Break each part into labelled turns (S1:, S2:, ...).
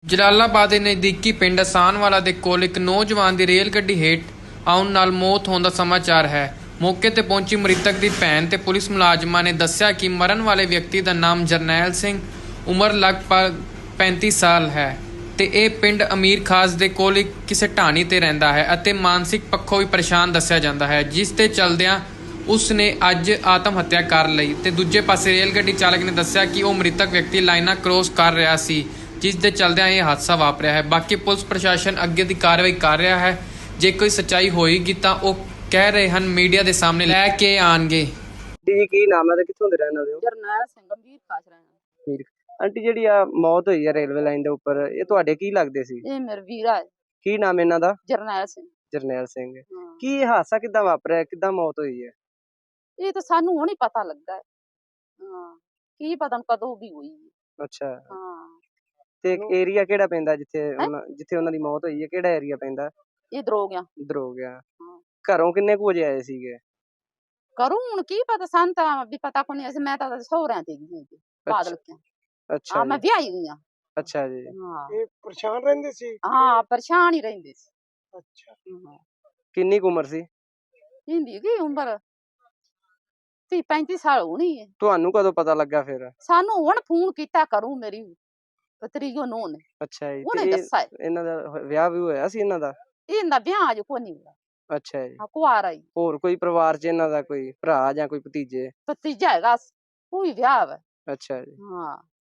S1: ਜਲਾਲਾਬਾਦ ਦੇ ਨਜ਼ਦੀਕੀ ਪਿੰਡ ਅਸਾਨਵਾਲਾ ਦੇ ਕੋਲ ਇੱਕ ਨੌਜਵਾਨ ਦੀ ਰੇਲ ਗੱਡੀ ਹੇਠ ਆਉਣ ਨਾਲ ਮੌਤ ਹੋਣ ਦਾ ਸਮਾਚਾਰ ਹੈ। ਮੌਕੇ ਤੇ ਪਹੁੰਚੀ ਮ੍ਰਿਤਕ ਦੀ ਭੈਣ ਤੇ ਪੁਲਿਸ ਮੁਲਾਜ਼ਮਾਂ ਨੇ ਦੱਸਿਆ ਕਿ ਮਰਨ ਵਾਲੇ ਵਿਅਕਤੀ ਦਾ ਨਾਮ ਜਰਨੈਲ ਸਿੰਘ, ਉਮਰ ਲਗਭਗ 35 ਸਾਲ ਹੈ ਤੇ ਇਹ ਪਿੰਡ ਅਮੀਰ ਖਾਸ ਦੇ ਕੋਲ ਕਿਸੇ ਢਾਣੀ ਤੇ ਰਹਿੰਦਾ ਹੈ ਅਤੇ ਮਾਨਸਿਕ ਪੱਖੋਂ ਵੀ ਪਰੇਸ਼ਾਨ ਦੱਸਿਆ ਜਾਂਦਾ ਹੈ, ਜਿਸ ਤੇ ਚਲਦਿਆਂ ਉਸ ਨੇ ਅੱਜ ਆਤਮ ਹੱਤਿਆ ਕਰ ਲਈ। ਤੇ ਦੂਜੇ ਪਾਸੇ ਰੇਲ ਗੱਡੀ ਚਾਲਕ ਨੇ ਦੱਸਿਆ ਕਿ ਉਹ ਮ੍ਰਿਤਕ ਵਿਅਕਤੀ ਲਾਈਨਾਂ ਕ੍ਰੋਸ ਕਰ ਰਿਹਾ ਸੀ, ਜਿਸ ਦੇ ਚਲਦਿਆਂ ਇਹ ਹਾਦਸਾ ਵਾਪਰਿਆ ਹੈ। ਬਾਕੀ ਪੁਲਿਸ ਪ੍ਰਸ਼ਾਸਨ ਅੱਗੇ ਦੀ ਕਾਰਵਾਈ ਕਰ ਰਿਹਾ ਹੈ। ਜੇ ਕੋਈ ਸੱਚਾਈ ਹੋਏਗੀ ਤਾਂ ਉਹ ਕਹਿ ਰਹੇ ਹਨ ਮੀਡੀਆ ਦੇ ਸਾਹਮਣੇ ਲੈ ਕੇ ਆਣਗੇ।
S2: ਜੀ ਕੀ ਨਾਮ ਹੈ ਤੇ ਕਿੱਥੋਂ ਦੇ ਰਹਿਣ ਵਾਲੇ ਹੋ?
S3: ਜਰਨੈਲ ਸਿੰਘ ਗੰਭੀਰ ਖਾਸ ਰਹਿਣਾ।
S2: ਆਂਟੀ ਜਿਹੜੀ ਆ ਮੌਤ ਹੋਈ ਹੈ ਰੇਲਵੇ ਲਾਈਨ ਦੇ ਉੱਪਰ, ਇਹ ਤੁਹਾਡੇ ਕੀ ਲੱਗਦੇ ਸੀ?
S3: ਇਹ ਮੇਰਾ ਵੀਰਾ ਹੈ
S2: ਕੀ ਨਾਮ ਇਹਨਾਂ ਦਾ?
S3: ਜਰਨੈਲ ਸਿੰਘ।
S2: ਜਰਨੈਲ ਸਿੰਘ।
S3: ਹਾਂ।
S2: ਕੀ ਇਹ ਹਾਦਸਾ ਕਿੱਦਾਂ ਵਾਪਰਿਆ, ਕਿੱਦਾਂ ਮੌਤ ਹੋਈ ਹੈ?
S3: ਇਹ ਤਾਂ ਸਾਨੂੰ ਹੁਣ ਹੀ ਪਤਾ ਲੱਗਾ ਹੈ। ਹਾਂ, ਕੀ ਪਤਾ ਕਦੋਂ ਵੀ ਹੋਈ ਹੈ।
S2: ਅੱਛਾ,
S3: ਹਾਂ,
S2: ਤੇ ਏਰੀਆ ਕਿਹੜਾ ਪੈਂਦਾ ਜਿੱਥੇ ਜਿੱਥੇ ਉਹਨਾਂ ਦੀ ਮੌਤ ਹੋਈ ਹੈ? ਕਿਹੜਾ ਏਰੀਆ ਪੈਂਦਾ?
S3: ਇਧਰ ਹੋ ਗਿਆ।
S2: ਇੱਧਰ ਹੋ ਗਿਆ।
S3: ਹਾਂ।
S2: ਘਰੋਂ ਕਿੰਨੇ ਕੁ ਵਜੇ ਆਏ ਸੀਗੇ?
S3: ਕਰੂੰ ਹੁਣ ਕੀ ਪਤਾ, ਸਾਨੂੰ ਤਾਂ ਵੀ ਪਤਾ ਕੋਈ ਨਹੀਂ। ਅਸੀਂ ਮੈਂ ਤਾਂ ਸਹੁਰਿਆਂ ਤੇ ਗਈ ਸੀ ਬਾਦਲ ਕੇ।
S2: ਅੱਛਾ
S3: ਹਾਂ, ਮੈਂ
S2: ਜੀ।
S3: ਵਿਆਹੀ ਗਈ ਹਾਂ।
S2: ਅੱਛਾ ਜੀ।
S3: ਹਾਂ,
S4: ਇਹ ਪਰੇਸ਼ਾਨ ਰਹਿੰਦੇ ਸੀ?
S3: ਹਾਂ, ਪਰੇਸ਼ਾਨ ਹੀ ਰਹਿੰਦੇ ਸੀ।
S4: ਅੱਛਾ।
S3: ਹਾਂ,
S2: ਕਿੰਨੀ ਕੁ ਉਮਰ ਸੀ?
S3: ਹਿੰਦੀ ਦੀ ਉਮਰ 30-35 ਸਾਲ ਹੋਣੀ ਹੈ।
S2: ਤੁਹਾਨੂੰ ਕਦੋਂ ਪਤਾ ਲੱਗਾ ਫਿਰ?
S3: ਸਾਨੂੰ ਹੁਣ ਫੋਨ ਕੀਤਾ ਕਰੂ ਮੇਰੀ ਪਤਰੀਓ ਨੂੰ ਨੇ,
S2: ਅੱਛਾ ਜੀ।
S3: ਉਹਨੇ
S2: ਤੇ
S3: ਦੱਸਿਆ
S2: ਇਹਨਾਂ ਦਾ ਵਿਆਹ ਵੀ ਹੋਇਆ ਸੀ ਇਹਨਾਂ ਦਾ?
S3: ਇਹਦਾ ਵਿਆਹ ਅਜ ਕੋਈ ਨਹੀਂ ਹੋਇਆ।
S2: ਅੱਛਾ ਜੀ।
S3: ਹਾਂ, ਕੁਆਰਾ ਹੀ।
S2: ਹੋਰ ਕੋਈ ਪਰਿਵਾਰ 'ਚ ਇਹਨਾਂ ਦਾ ਕੋਈ ਭਰਾ ਜਾਂ ਕੋਈ ਭਤੀਜੇ?
S3: ਭਤੀਜਾ ਹੈਗਾ, ਉਹ ਵੀ ਵਿਆਹ ਵਾ।
S2: ਅੱਛਾ ਜੀ।
S3: ਹਾਂ,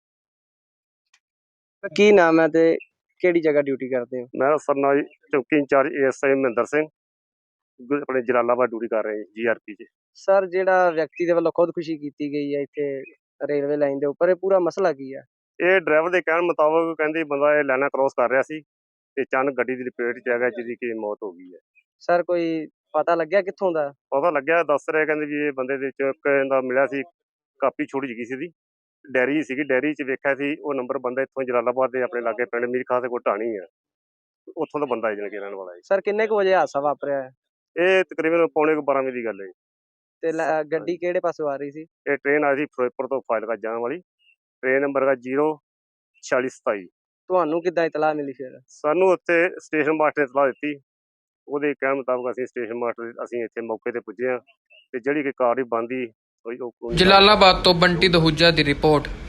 S2: ਕੀ ਨਾਮ ਹੈ ਤੇ ਕਿਹੜੀ ਜਗ੍ਹਾ ਡਿਊਟੀ ਕਰਦੇ ਹੋ?
S5: ਮੈਂ ਸਰਨਾਈ ਚੌਕੀ ਇੰਚਾਰਜ ਏਐਸਆਈ ਮਹਿੰਦਰ ਸਿੰਘ ਆਪਣੇ ਜਲਾਲਾਬਾਦ ਡਿਊਟੀ ਕਰ ਰਹੇ ਜੀਆਰਪੀ 'ਚ।
S2: ਸਰ, ਜਿਹੜਾ ਵਿਅਕਤੀ ਦੇ ਵੱਲੋਂ ਖੁਦਕੁਸ਼ੀ ਕੀਤੀ ਗਈ ਹੈ ਇੱਥੇ ਰੇਲਵੇ ਲਾਈਨ ਦੇ ਉੱਪਰ, ਇਹ ਪੂਰਾ ਮਸਲਾ ਕੀ ਹੈ?
S5: ਇਹ ਡਰਾਈਵਰ ਦੇ ਕਹਿਣ ਮੁਤਾਬਕ ਕਹਿੰਦੇ ਬੰਦਾ ਇਹ ਲਾਈਨਾਂ ਕ੍ਰੋਸ ਕਰ ਰਿਹਾ ਸੀ ਤੇ ਅਚਾਨਕ ਗੱਡੀ ਦੀ ਲਪੇਟ 'ਚ ਆ ਗਿਆ, ਜਿਹਦੀ ਕਿ ਮੌਤ ਹੋ ਗਈ ਹੈ।
S2: ਸਰ, ਕੋਈ ਪਤਾ ਲੱਗਿਆ ਕਿੱਥੋਂ ਦਾ?
S5: ਪਤਾ ਲੱਗਿਆ, ਦੱਸ ਰਹੇ ਕਹਿੰਦੇ ਵੀ ਇਹ ਬੰਦੇ ਦੇ ਇੱਕ ਇਹਦਾ ਮਿਲਿਆ ਸੀ, ਕਾਪੀ ਛੋਟੀ ਜਿਹੀ ਸੀ, ਇਹਦੀ ਡੈਰੀ ਸੀਗੀ, ਡੈਰੀ 'ਚ ਵੇਖਿਆ ਸੀ ਉਹ ਨੰਬਰ ਬੰਦਾ ਇੱਥੋਂ ਜਲਾਲਾਬਾਦ ਦੇ ਆਪਣੇ ਲਾਗੇ ਪਿੰਡ ਮੀਰ ਖਾਸ ਦੇ ਕੋਲ ਢਾਣੀ ਆ, ਉੱਥੋਂ ਦਾ ਬੰਦਾ ਜਾਣੀ ਕਿ ਰਹਿਣ ਵਾਲਾ ਹੈ।
S2: ਸਰ, ਕਿੰਨੇ ਕੁ ਵਜੇ ਹਾਦਸਾ ਵਾਪਰਿਆ ਹੈ?
S5: ਇਹ ਤਕਰੀਬਨ ਪੌਣੇ 12 ਵਜੇ ਦੀ ਗੱਲ ਹੈ ਜੀ।
S2: ਤੇ ਗੱਡੀ ਕਿਹੜੇ ਪਾਸੋਂ ਆ ਰਹੀ ਸੀ?
S5: ਇਹ ਟ੍ਰੇਨ ਆਈ ਸੀ ਫਿਰੋਜ਼ਪੁਰ ਤੋਂ ਫਾਜ਼ਿਲਕਾ ਜਾਣ ਵਾਲੀ, ਟ੍ਰੇਨ ਨੰਬਰ ਹੈਗਾ 04627।
S2: ਤੁਹਾਨੂੰ ਕਿੱਦਾਂ ਇਤਲਾਹ ਮਿਲੀ ਫਿਰ?
S5: ਸਾਨੂੰ ਉੱਥੇ ਸਟੇਸ਼ਨ ਮਾਸਟਰ ਨੇ ਇਤਲਾਹ ਦਿੱਤੀ, ਉਹਦੇ ਕਹਿਣ ਮੁਤਾਬਕ ਅਸੀਂ ਸਟੇਸ਼ਨ ਮਾਸਟਰ ਅਸੀਂ ਇੱਥੇ ਮੌਕੇ ਤੇ ਪੁੱਜੇ ਹਾਂ ਤੇ ਜਿਹੜੀ ਕਿ ਕਾਰਵਾਈ ਬਣਦੀ
S1: ਜਲਾਲਾਬਾਦ ਤੋਂ ਬੰਟੀ ਦਹੂਜਾ ਦੀ ਰਿਪੋਰਟ।